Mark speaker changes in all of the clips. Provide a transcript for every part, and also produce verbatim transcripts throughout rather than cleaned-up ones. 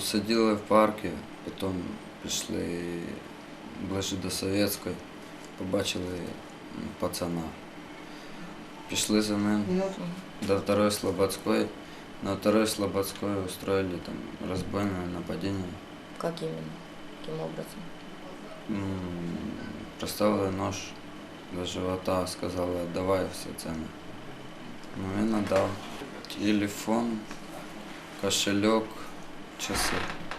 Speaker 1: сиділи в парку, потім пішли ближче до Совєтської, побачили пацана. Пішли за ним до второй Слободской. На второй Слободской устроили там разбойное нападение.
Speaker 2: Как именно? Каким образом?
Speaker 1: Приставили нож до живота, сказали, отдавай все цены. Ну, він отдав. Телефон, кошелек, часы.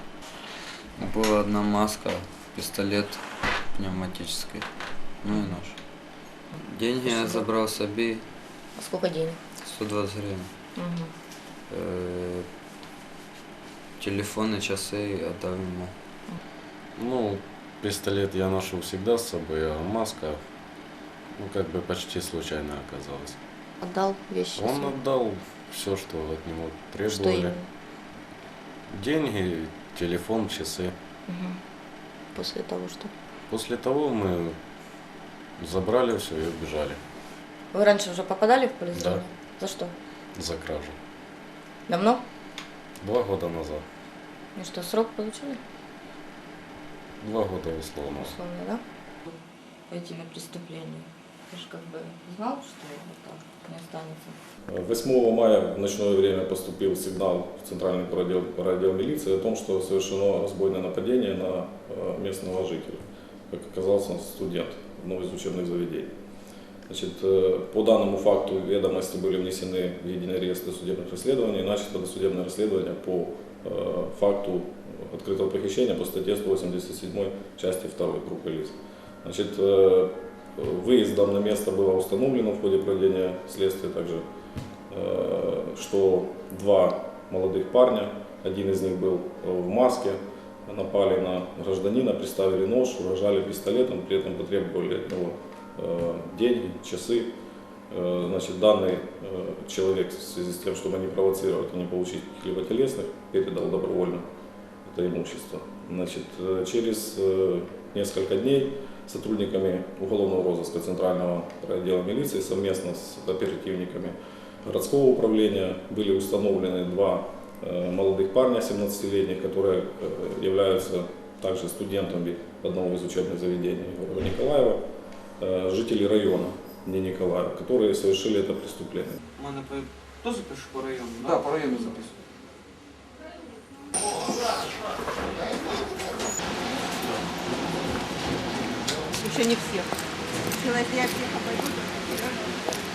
Speaker 1: Была одна маска, пистолет пневматический, ну и нож. Деньги я забрал себе.
Speaker 2: А сколько денег?
Speaker 1: сто двадцать гривен.
Speaker 2: Угу.
Speaker 1: Э, телефон и часы отдал ему.
Speaker 3: Ну, пистолет я ношу всегда с собой, а маска, ну, как бы почти случайно оказалась.
Speaker 2: Отдал вещи?
Speaker 3: Он
Speaker 2: свои?
Speaker 3: отдал все, что от него требовали.
Speaker 2: Что именно?
Speaker 3: Деньги, телефон, часы.
Speaker 2: Угу. После того, что?
Speaker 3: После того мы забрали все и убежали.
Speaker 2: Вы раньше уже попадали в поле зрения?
Speaker 3: Да.
Speaker 2: За что?
Speaker 3: За кражу.
Speaker 2: Давно?
Speaker 3: Два года назад.
Speaker 2: И что, срок получили?
Speaker 3: Два года условно.
Speaker 2: Условно, да? Пойти на преступление. Ты же как бы знал, что вот так не останется?
Speaker 4: восьмого мая в ночное время поступил сигнал в Центральный райотдел, райотдел милиции о том, что совершено разбойное нападение на местного жителя. Как оказался, он студент одного из учебных заведений. Значит, по данному факту ведомости были внесены в единый реестр судебных расследований и начато досудебное расследование по э, факту открытого похищения по статье сто восемьдесят семь части второй группы лиц. Значит, э, выездом на место было установлено в ходе проведения следствия также, э, что два молодых парня, один из них был в маске, напали на гражданина, приставили нож, угрожали пистолетом, при этом потребовали от него деньги, часы. Значит, данный человек в связи с тем, чтобы не провоцировать и не получить каких-либо телесных, передал добровольно это имущество. Значит, через несколько дней сотрудниками уголовного розыска Центрального отдела милиции совместно с оперативниками городского управления были установлены два молодых парня семнадцатилетних, которые являются также студентами одного из учебных заведений города Николаева, жители района, не Николаева, которые совершили это преступление.
Speaker 5: У мене по... Тоже пишу по району?
Speaker 6: Да, да, по району записываю.
Speaker 7: Еще не всех. Если я всех обойду, то